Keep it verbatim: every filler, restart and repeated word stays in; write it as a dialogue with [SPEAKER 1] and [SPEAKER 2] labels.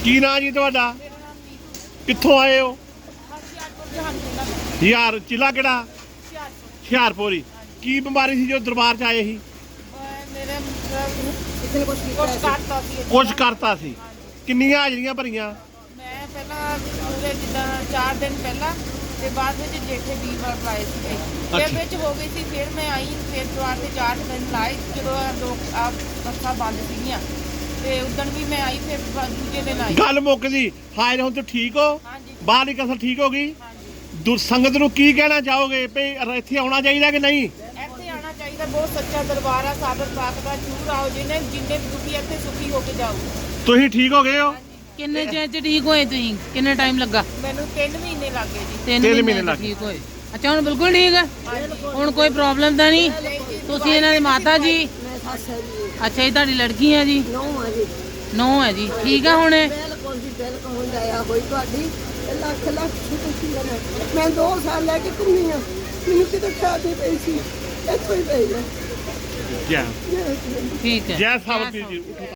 [SPEAKER 1] ਕੀ ਨਾਂ ਜੀ ਤੁਹਾਡਾ?
[SPEAKER 2] ਮੇਰਾ ਨਾਮ ਨੀਤੂ।
[SPEAKER 1] ਕਿੱਥੋਂ ਆਏ ਹੋ?
[SPEAKER 2] ਹੁਸ਼ਿਆਰਪੁਰ ਜਹਾਨ ਜ਼ਿਲ੍ਹਾ ਦਾ।
[SPEAKER 1] ਯਾਰ ਜ਼ਿਲ੍ਹਾ ਕਿਹੜਾ?
[SPEAKER 2] ਹੁਸ਼ਿਆਰਪੁਰ।
[SPEAKER 1] ਹੁਸ਼ਿਆਰਪੁਰ। ਕੀ ਬਿਮਾਰੀ ਸੀ ਜੋ ਦਰਬਾਰ 'ਚ ਆਏ ਸੀ?
[SPEAKER 2] ਅਹ ਮੇਰੇ ਮਤਲਬ ਕੁਛ ਕਰਤਾ ਸੀ।
[SPEAKER 1] ਕੁਛ ਕਰਤਾ ਸੀ। ਕਿੰਨੀਆਂ ਹਾਜ਼ਰੀਆਂ ਭਰੀਆਂ?
[SPEAKER 2] ਮੈਂ ਪਹਿਲਾਂ ਪੂਰੇ ਜਿੱਦਾਂ ਚਾਰ ਦਿਨ ਪਹਿਲਾਂ ਤੇ ਬਾਅਦ ਵਿੱਚ ਜੇਠੇ ਵੀਰਵਾਰ ਲਾਏ ਸੀਗੇ। ਫਿਰ ਵਿੱਚ ਹੋ ਗਈ ਸੀ, ਫਿਰ ਮੈਂ ਆਈ, ਫਿਰ ਦੁਆਰ ਤੇ ਚਾਰ ਦਿਨ ਲਾਏ ਜਦੋਂ ਲੋਕ ਆ ਬੱਸਾਂ ਬੰਦ ਸੀਗੀਆਂ ਤੇ ਉਦਣ ਵੀ ਮੈਂ ਆਈ, ਫਿਰ ਦੂਜੇ ਦਿਨ ਆਈ।
[SPEAKER 1] ਗੱਲ ਮੁੱਕ ਜੀ। ਹਾਜ਼ਰ ਹੁਣ ਤੂੰ ਠੀਕ ਹੋ?
[SPEAKER 2] ਹਾਂਜੀ
[SPEAKER 1] ਬਾਹਰਲੀ ਕਸਰ ਠੀਕ ਹੋ ਗਈ?
[SPEAKER 2] ਹਾਂਜੀ।
[SPEAKER 1] ਦੁਰ ਸੰਗਤ ਨੂੰ ਕੀ ਕਹਿਣਾ ਚਾਹੋਗੇ ਵੀ ਇੱਥੇ ਆਉਣਾ ਚਾਹੀਦਾ ਕਿ ਨਹੀਂ?
[SPEAKER 2] ਇੱਥੇ ਆਉਣਾ ਚਾਹੀਦਾ, ਬਹੁਤ ਸੱਚਾ ਦਰਬਾਰ ਆ ਸਾਬਰ ਪਾਕ ਦਾ। ਜ਼ਰੂਰ ਆਓ, ਜਿਹਨੇ ਜਿੰਨੇ ਵੀ ਦੁਖੀ ਇੱਥੇ ਸੁਖੀ ਹੋ ਕੇ ਜਾਓ।
[SPEAKER 1] ਤੁਸੀਂ ਠੀਕ ਹੋ ਗਏ ਹੋ?
[SPEAKER 3] ਕਿੰਨੇ ਚਿਰ ਚ ਠੀਕ ਹੋਏ ਤੁਸੀਂ? ਕਿੰਨੇ ਟਾਈਮ ਲੱਗਾ?
[SPEAKER 2] ਮੈਨੂੰ ਤਿੰਨ ਮਹੀਨੇ ਲੱਗ ਗਏ ਜੀ।
[SPEAKER 3] ਤਿੰਨ
[SPEAKER 1] ਮਹੀਨੇ
[SPEAKER 3] ਮਹੀਨੇ
[SPEAKER 1] ਲੱਗ
[SPEAKER 3] ਠੀਕ ਹੋਏ। ਅੱਛਾ ਹੁਣ ਬਿਲਕੁਲ ਠੀਕ ਹੈ? ਹੁਣ ਕੋਈ ਪ੍ਰੋਬਲਮ ਤਾਂ ਨਹੀਂ? ਤੁਸੀਂ ਇਹਨਾਂ ਦੇ ਮਾਤਾ ਜੀ? ਅੱਛਾ ਇਹ ਤੁਹਾਡੀ ਲੜਕੀ ਹੈ ਜੀ?
[SPEAKER 4] ਨੌ ਆ ਜੀ।
[SPEAKER 3] ਨੌ ਹੈ ਜੀ। ਠੀਕ ਆ ਹੁਣ?
[SPEAKER 4] ਬਿਲਕੁਲ ਜੀ ਬਿਲਕੁਲ ਹੁਣ ਦਇਆ ਹੋਈ ਤੁਹਾਡੀ। ਇਹ ਲੱਖ ਲੱਖ ਸ਼ੁਕਰ ਹੈ। ਮੈਂ ਦੋ ਸਾਲ ਲੈ ਕੇ ਘੁੰਮੀ ਆ, ਮੈਨੂੰ ਕਿਤੇ ਖਾਦ ਨਹੀਂ ਪਈ ਸੀ, ਇੱਥੋਂ ਹੀ ਪਈ ਹੈ।
[SPEAKER 1] ਜੈ
[SPEAKER 4] ਜੈ
[SPEAKER 3] ਠੀਕ ਹੈ।
[SPEAKER 1] ਜੈ ਸਾਬਤੀ ਜੀ।